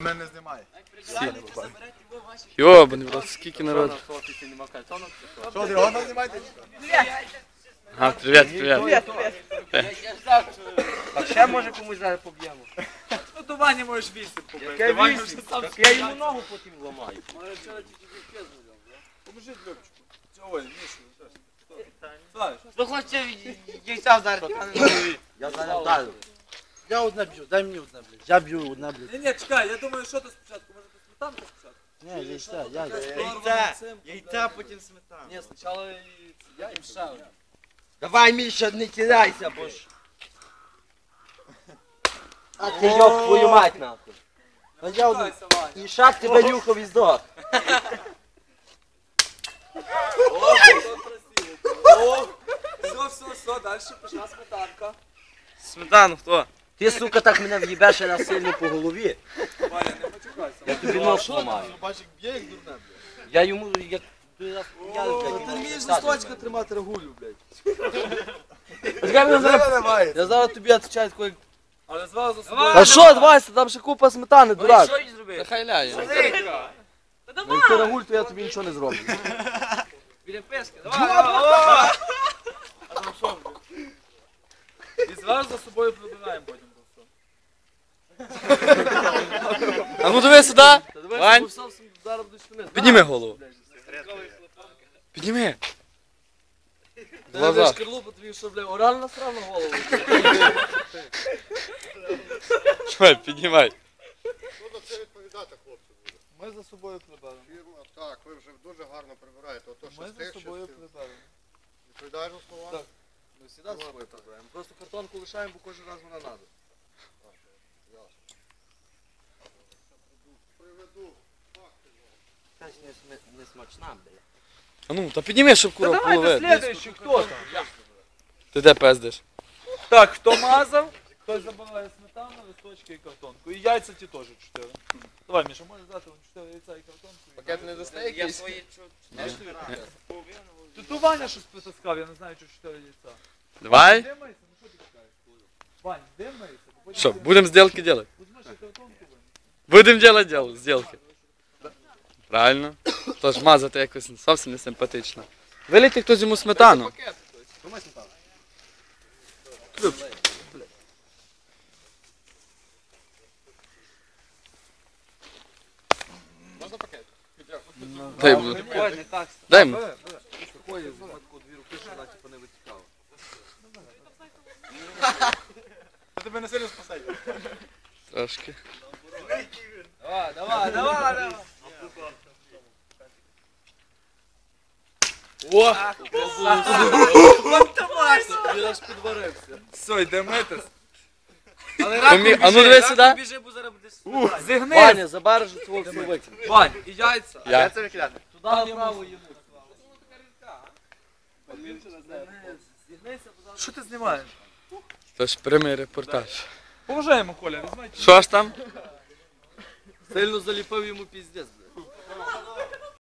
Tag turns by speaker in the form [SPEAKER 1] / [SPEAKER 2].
[SPEAKER 1] Мене знімає.
[SPEAKER 2] Йобаний, брат, скільки народу.
[SPEAKER 1] Що, ти воно знімаєте?
[SPEAKER 2] Ага, привіт.
[SPEAKER 3] А ще може комусь зараз поб'ємо.
[SPEAKER 4] Ну до Вані можеш 8 побити.
[SPEAKER 3] Я 8, я йому ногу потім ламаю.
[SPEAKER 4] Поможи Любчику. Ой, Мішу. Славиш.
[SPEAKER 3] Ви хочете яйця вдарити? Я зараз вдарю. Я одне б'ю, дай мені одне, блядь. Я б'ю одне, блядь.
[SPEAKER 4] Ні, чекай, я думаю, що то спочатку. Може то сметанка спочатку?
[SPEAKER 3] Ні, яйця,
[SPEAKER 4] Яйця, потім сметанка. Ні, спочатку яйця.
[SPEAKER 3] Давай, Міша, не кидайся, бо ж. А ти йоб твою мать, нахуй. А я одну. І шаг тебе нюхав і здох.
[SPEAKER 4] Все, далі пішла сметанка.
[SPEAKER 3] Сметану хто? Ти, сука, так мене в'їбеш раз сильно по голові.
[SPEAKER 4] Ваня, не почекайся.
[SPEAKER 3] Я тобі нос ламаю.
[SPEAKER 1] Бачик б'є як дурне, блядь.
[SPEAKER 3] Я йому, як ти раз
[SPEAKER 1] Ти вмієш листочка тримати регулю, блядь.
[SPEAKER 3] Я зараз тобі відповідаю такою.
[SPEAKER 4] Але звали за собою.
[SPEAKER 3] А що, Вася, там ще купа сметани, дурак.
[SPEAKER 4] Що їй зробити?
[SPEAKER 2] Та хай ляє.
[SPEAKER 3] Ну, якщо рагуль, то я тобі нічого не зроблю.
[SPEAKER 4] Біля пески, давай. І зразу за собою прибираємо потім.
[SPEAKER 2] А ну диви сюди. Вань, підніми голову. Підніми. Глаза.
[SPEAKER 3] Шкарлупу тобі, що, бля, орально насрав на голову.
[SPEAKER 2] Давай, піднімай.
[SPEAKER 5] Буду це відповідати, хлопці, буде.
[SPEAKER 4] Ми за собою приберемо.
[SPEAKER 5] Фірма, так, ви вже дуже гарно прибираєте. Ото що
[SPEAKER 4] Ми
[SPEAKER 5] з тих,
[SPEAKER 4] за
[SPEAKER 5] що
[SPEAKER 4] собою
[SPEAKER 5] з тих.
[SPEAKER 4] приберемо.
[SPEAKER 5] Відповідаєш за слова?
[SPEAKER 4] Так.
[SPEAKER 3] Ми завжди з собою прибираємо. Просто картонку лишаємо, бо кожен раз вона надо.
[SPEAKER 5] Приведу.
[SPEAKER 3] Це ж не смачна, бля.
[SPEAKER 2] А ну, та підніми, щоб курва половити.
[SPEAKER 4] Следующий, хто там?
[SPEAKER 2] Ти де пиздиш?
[SPEAKER 4] Так, хто мазав, той забирає сметану, листочки і картонку. І яйця ті теж 4. Давай, Міша, можеш дати 4 яйця і картонку.
[SPEAKER 1] Пакет не дасте якийсь?
[SPEAKER 4] Тут Ваня щось притаскав, я не знаю, чи 4 яйця.
[SPEAKER 2] Давай.
[SPEAKER 4] Де мийся? Ну що ти чекаєш? Вань, де мийся?
[SPEAKER 2] Що, будемо сделки делать?
[SPEAKER 4] Візьми ще картонку, Вань.
[SPEAKER 2] Будемо делать сделки. Правильно. Тож мазати якось зовсім не симпатично. Вилийте хтось йому сметану.
[SPEAKER 1] Можна пакет?
[SPEAKER 2] Дай йому.
[SPEAKER 3] Ой, не так.
[SPEAKER 2] Дай йому.
[SPEAKER 3] Такої в матку дві руки, що вона типу не витікала.
[SPEAKER 1] Це тебе не сильно спасає.
[SPEAKER 2] Трошки.
[SPEAKER 4] Давай.
[SPEAKER 2] О!
[SPEAKER 3] Він аж підварився.
[SPEAKER 4] Все, йде митись.
[SPEAKER 2] А ну диви сюди.
[SPEAKER 3] Біжи, бо зараз будеш...
[SPEAKER 4] Зігни.
[SPEAKER 3] Ваня, забереш свого все викинь.
[SPEAKER 4] Вань, і яйця.
[SPEAKER 2] Я.
[SPEAKER 1] Це викидати.
[SPEAKER 3] Туди направо йому.
[SPEAKER 4] Що ти знімаєш?
[SPEAKER 2] Тож прямий репортаж.
[SPEAKER 4] Поважаємо, Коля, візьмайте.
[SPEAKER 2] Що ж там?
[SPEAKER 3] Сильно заліпив йому піздець, бля.